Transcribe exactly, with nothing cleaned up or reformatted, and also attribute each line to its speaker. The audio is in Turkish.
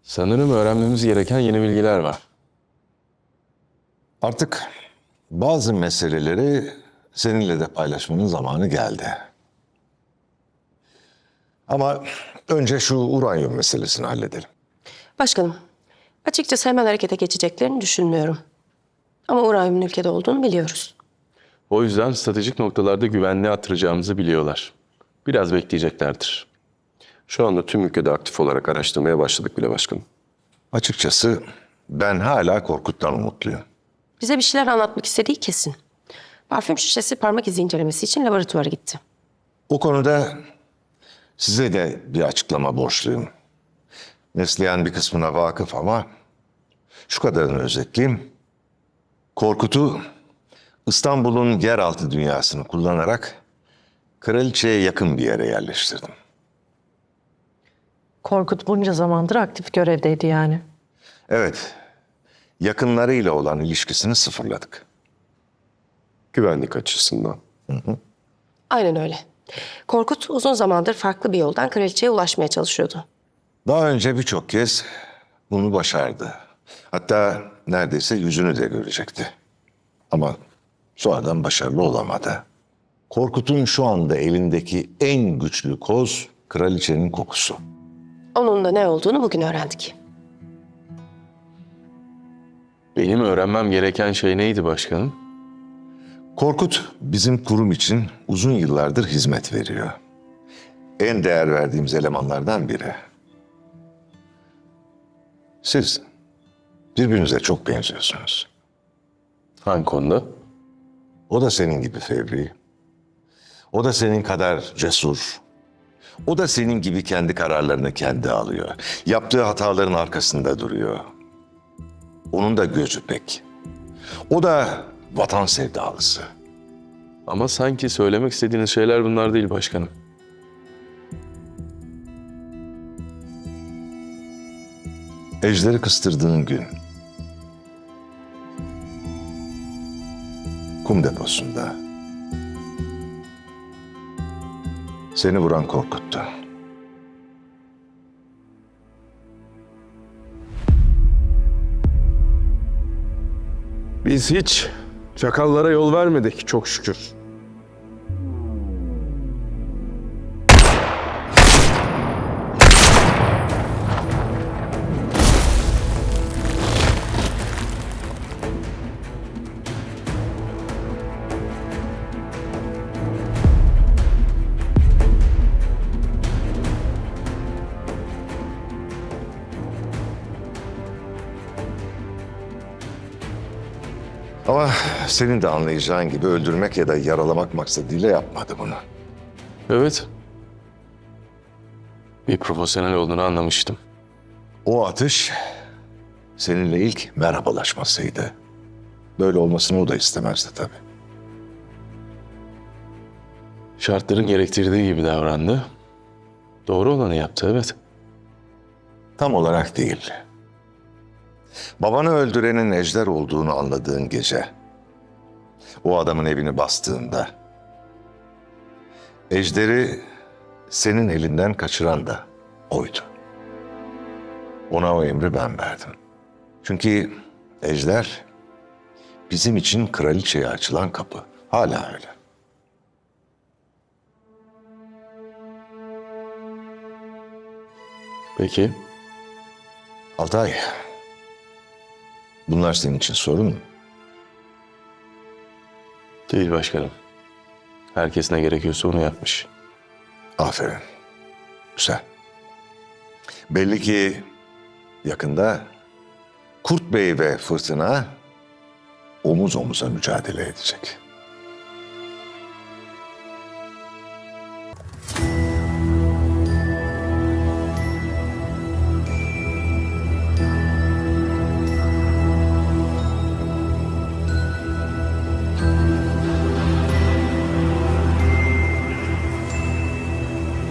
Speaker 1: Sanırım öğrenmemiz gereken yeni bilgiler var.
Speaker 2: Artık bazı meseleleri seninle de paylaşmanın zamanı geldi. Ama önce şu uranyum meselesini halledelim.
Speaker 3: Başkanım, açıkçası hemen harekete geçeceklerini düşünmüyorum. Ama uranyumun ülkede olduğunu biliyoruz.
Speaker 1: O yüzden stratejik noktalarda güvenliği artıracağımızı biliyorlar. Biraz bekleyeceklerdir.
Speaker 4: Şu anda tüm ülkede aktif olarak araştırmaya başladık bile başkanım.
Speaker 2: Açıkçası ben hala Korkut'tan umutluyum.
Speaker 3: Bize bir şeyler anlatmak istediği kesin. Parfüm şişesi parmak izi incelemesi için laboratuvara gitti.
Speaker 2: O konuda size de bir açıklama borçluyum. Neslihan bir kısmına vakıf ama şu kadarını özetleyeyim. Korkut'u İstanbul'un yeraltı dünyasını kullanarak kraliçeye yakın bir yere yerleştirdim.
Speaker 5: Korkut bunca zamandır aktif görevdeydi yani.
Speaker 2: Evet, yakınlarıyla olan ilişkisini sıfırladık.
Speaker 4: Güvenlik açısından.
Speaker 3: Aynen öyle. Korkut uzun zamandır farklı bir yoldan kraliçeye ulaşmaya çalışıyordu.
Speaker 2: Daha önce birçok kez bunu başardı. Hatta neredeyse yüzünü de görecekti. Ama sonradan başarılı olamadı. Korkut'un şu anda elindeki en güçlü koz kraliçenin kokusu.
Speaker 3: Onun da ne olduğunu bugün öğrendik.
Speaker 1: Benim öğrenmem gereken şey neydi başkanım?
Speaker 2: Korkut bizim kurum için uzun yıllardır hizmet veriyor. En değer verdiğimiz elemanlardan biri. Siz birbirinize çok benziyorsunuz.
Speaker 1: Hangi konuda?
Speaker 2: O da senin gibi fevri. O da senin kadar cesur. O da senin gibi kendi kararlarını kendi alıyor. Yaptığı hataların arkasında duruyor. Onun da gözü pek. O da vatan sevdalısı.
Speaker 1: Ama sanki söylemek istediğiniz şeyler bunlar değil başkanım.
Speaker 2: Ejder'i kıstırdığın gün kum deposunda seni vuran Korkut'tu.
Speaker 4: Biz hiç çakallara yol vermedik çok şükür.
Speaker 2: Ama senin de anlayacağın gibi öldürmek ya da yaralamak maksadıyla yapmadı bunu.
Speaker 1: Evet. Bir profesyonel olduğunu anlamıştım.
Speaker 2: O atış seninle ilk merhabalaşmasıydı. Böyle olmasını o da istemezdi tabii.
Speaker 1: Şartların gerektirdiği gibi davrandı. Doğru olanı yaptı, evet.
Speaker 2: Tam olarak değil. Babanı öldürenin Ejder olduğunu anladığın gece, o adamın evini bastığında, Ejder'i senin elinden kaçıran da oydu. Ona o emri ben verdim. Çünkü Ejder bizim için kraliçeye açılan kapı. Hala öyle.
Speaker 1: Peki.
Speaker 2: Altay, bunlar senin için sorun mu?
Speaker 1: Değil başkanım. Herkes ne gerekiyorsa onu yapmış.
Speaker 2: Aferin. Güzel. Belli ki yakında Kurt Bey ve Fırtına omuz omuza mücadele edecek.